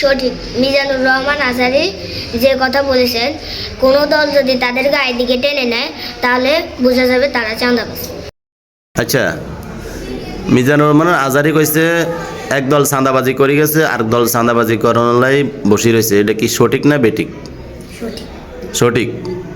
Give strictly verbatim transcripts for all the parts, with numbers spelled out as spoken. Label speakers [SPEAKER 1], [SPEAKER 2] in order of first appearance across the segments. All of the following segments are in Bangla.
[SPEAKER 1] সঠিক। মিজানুর রহমান আজহারী যে কথা বলেছেন, কোনো দল যদি তাদের গায়ের দিকে টেনে নেয় তাহলে বোঝা যাবে তারা চাঁদাবাজ।
[SPEAKER 2] আচ্ছা, মিজানুর রহমান আজহারী কইছে এক দল চাঁদাবাজি করে গেছে আর দল চাঁদাবাজি করার লাই বসে রয়েছে, এটা কি সঠিক না বেঠিক?
[SPEAKER 1] সঠিক।
[SPEAKER 2] সঠিক।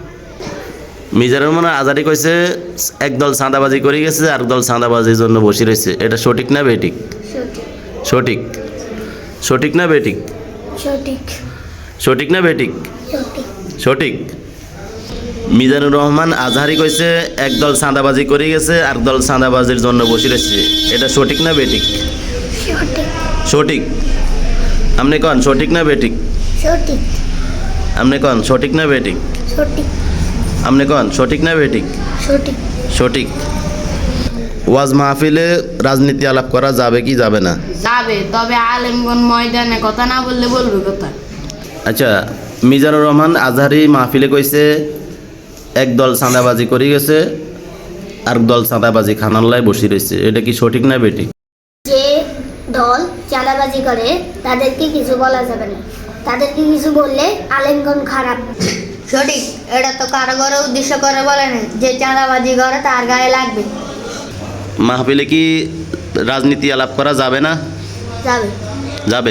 [SPEAKER 2] মিজানুর রহমান আজহারী কইছে এক দল চাঁদাবাজি করে গেছে আর দল চাঁদাবাজির জন্য বসে রয়েছে, এটা সঠিক না বেঠিক?
[SPEAKER 1] সঠিক।
[SPEAKER 2] সঠিক। সঠিক না বেঠিক?
[SPEAKER 1] সঠিক।
[SPEAKER 2] সঠিক না বেঠিক?
[SPEAKER 1] সঠিক।
[SPEAKER 2] সঠিক। মিজানুর রহমান আজহারী কইছে এক দল চাঁদাবাজি করে গেছে আর দল চাঁদাবাজির জন্য বসে রয়েছে, এটা সঠিক না বেঠিক?
[SPEAKER 1] সঠিক।
[SPEAKER 2] সঠিক। আপনি কন সঠিক না বেঠিক?
[SPEAKER 1] সঠিক।
[SPEAKER 2] আপনি কন সঠিক না বেঠিক?
[SPEAKER 1] সঠিক।
[SPEAKER 2] আপনি কন সঠিক না বেঠিক?
[SPEAKER 1] সঠিক।
[SPEAKER 2] সঠিক। ওয়াজ মাহফিলে রাজনীতি আলাপ করা যাবে কি যাবে না?
[SPEAKER 3] যাবে, তবে আলেমগণ ময়দানে কথা না বললে বলবে কথা।
[SPEAKER 2] আচ্ছা, মিজানুর রহমান আজহারী মাহফিলে কইছে এক দল চাঁদাবাজি করে গেছে আর দল চাঁদাবাজি খানাল্লায় বসে রয়েছে, এটা কি সঠিক না বেঠিক?
[SPEAKER 1] যে দল চাঁদাবাজি করে তাদেরকে কিছু বলা যাবে না, তাদেরকে কিছু বললে আলেমগণ খারাপ।
[SPEAKER 4] সঠিক। এটা তো কারো ঘরে উদ্দেশ্য করে বলে না, যে চাঁদাবাজি করে তার গায়ে লাগবে।
[SPEAKER 2] মাহফিলে কি রাজনীতি আলাপ করা যাবে না?
[SPEAKER 1] যাবে।
[SPEAKER 2] যাবে।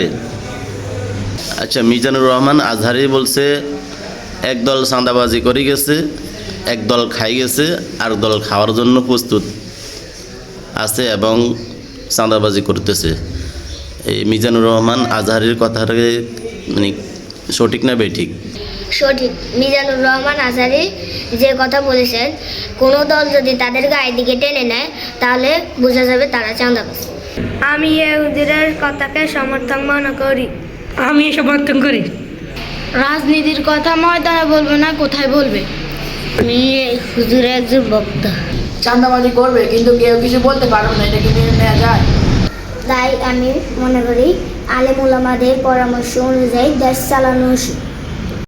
[SPEAKER 2] আচ্ছা, মিজানুর রহমান আজহারী বলছে এক দল চাঁদাবাজি করে গেছে, এক দল খাই গেছে আর দল খাওয়ার জন্য প্রস্তুত আছে এবং চাঁদাবাজি করতেছে। এই মিজানুর রহমান আজহারীর কথাটাকে মানে সঠিক না বেঠিক?
[SPEAKER 1] সঠিক। মিজানুর রহমান আজহারী যে কথা বলেছেন, কোনো দল যদি তাদের গায়ের দিকে টেনে নেয় তাহলে বোঝা যাবে তারা চাঁদাবাজ।
[SPEAKER 5] আমি ইহুদিদের কথাকে সমর্থন মনে করি।
[SPEAKER 6] আমি সমর্থন করি।
[SPEAKER 3] রাজনীতির কথা ময়দানে বলবে না, কোথায় বলবে?
[SPEAKER 1] আমি হুজুরের একজন বক্তা,
[SPEAKER 7] চাঁদাবাজি করবে কিন্তু কেউ কিছু বলতে পারবে না, এটা কি মেনে নেওয়া যায়?
[SPEAKER 1] তাই আমি মনে করি আলেম ওলামাদের পরামর্শ অনুযায়ী দেশ চালানো উচিত।